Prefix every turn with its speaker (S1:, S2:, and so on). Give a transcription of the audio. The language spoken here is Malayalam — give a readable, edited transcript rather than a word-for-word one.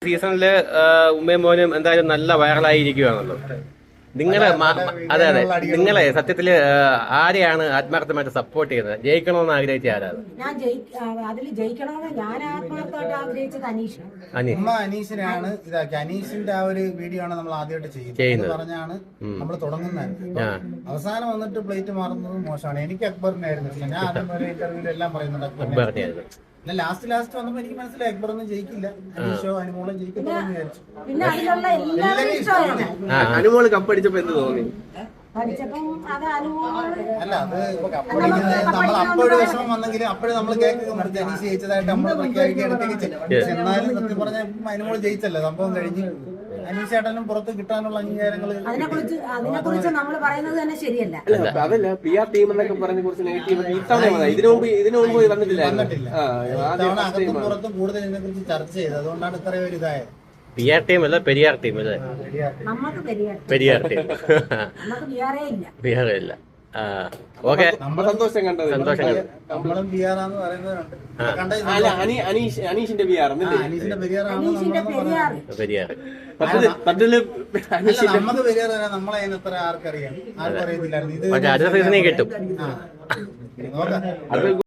S1: സീസണില് ഉമ്മയും മോനും എന്തായാലും നല്ല വൈറലായിരിക്കുകയാണല്ലോ. നിങ്ങളെ അതെ നിങ്ങളെ സത്യത്തില് ആരെയാണ് ആത്മാർത്ഥമായിട്ട് സപ്പോർട്ട് ചെയ്യുന്നത്? ജയിക്കണമെന്ന് ആഗ്രഹിച്ച ആരാണ്?
S2: ഞാൻ അതിൽ ജയിക്കണമെന്ന് ഞാൻ ആത്മാർത്ഥമായിട്ട് ആഗ്രഹിച്ചത്
S3: അനീഷിനെയാണ് ഇതാക്കി. അനീഷിന്റെ ആ ഒരു വീഡിയോ ആണ് നമ്മൾ ആദ്യമായിട്ട് ചെയ്യുന്നത് പറഞ്ഞാണ് നമ്മൾ തുടങ്ങുന്നത്. അവസാനം വന്നിട്ട് പ്ലേറ്റ് മാറുന്നത് മോശമാണ്. എനിക്ക് അക്ബറിനെ ആയിരുന്നു ഇഷ്ടം. ഞാൻ ആദ്യം ഒരു ഇന്റർവ്യൂവിൽ എല്ലാം പറയുന്നുണ്ട് അക്ബറിനെ. ലാസ്റ്റ് വന്നപ്പോ എനിക്ക് മനസ്സിലായി അക്ബറൊന്നും ജയിക്കില്ല, അനീഷോ അനുമോളും ജയിക്കില്ലെന്ന് വിചാരിച്ചു.
S2: പിന്നെ അതിലുള്ള എല്ലാവരും ഇഷ്ടമാണ്.
S4: അനുമോള് കപ്പടിച്ചപ്പോ എന്ത് തോന്നി?
S3: അല്ല അത് കപ്പടിക്കുന്നത് നമ്മൾ അപ്പോഴും വിഷമം വന്നെങ്കിലും അപ്പോഴും നമ്മൾ കേക്ക് മുറിച്ച് അനീഷ് ജയിച്ചതായിട്ട് നമ്മൾ പ്രഖ്യാപിക്കുകയൊക്കെ. എന്നാലും സത്യം പറഞ്ഞ അനുമോള് ജയിച്ചല്ലോ, സംഭവം കഴിഞ്ഞ് അനീഷേട്ടനും പുറത്ത് കിട്ടാനുള്ള അംഗീകാരങ്ങൾ
S2: അതിനെക്കുറിച്ച് നമ്മൾ പറയുന്നത് തന്നെ ശരിയല്ല.
S4: അതല്ല PR ടീം എന്നൊക്കെ പറഞ്ഞ കുറച്ച് നെഗറ്റീവ് ഇതിനു മുമ്പ് വന്നിട്ടില്ല.
S3: അകത്തും പുറത്തും കൂടുതൽ ഇതിനെ കുറിച്ച് ചർച്ച ചെയ്തത്, അതുകൊണ്ടാണ് ഇത്രയും ഒരു ഇതായത്.
S1: PR ടീം അല്ല, പെരിയാർ ടീം അല്ലേ? പെരിയാർ ടീം. ബിഹാറേ ഇല്ല. ഓക്കെ,
S4: സന്തോഷം കണ്ടത്.
S1: സന്തോഷം.
S3: നമ്മളും ബിയാറാന്ന് പറയുന്നവരുണ്ട്.
S4: അനീഷിന്റെ ബിയാർ
S3: അനീഷിന്റെ ബിയാറാണ്
S1: പെരിയാർ.
S3: നമുക്ക് ബിയാർ നമ്മളെ എത്ര ആർക്കറിയാം, ആർക്കും അറിയത്തില്ലായിരുന്നു. ഇത്
S1: അടുത്ത സീസണിൽ കിട്ടും.
S3: നോക്കാം.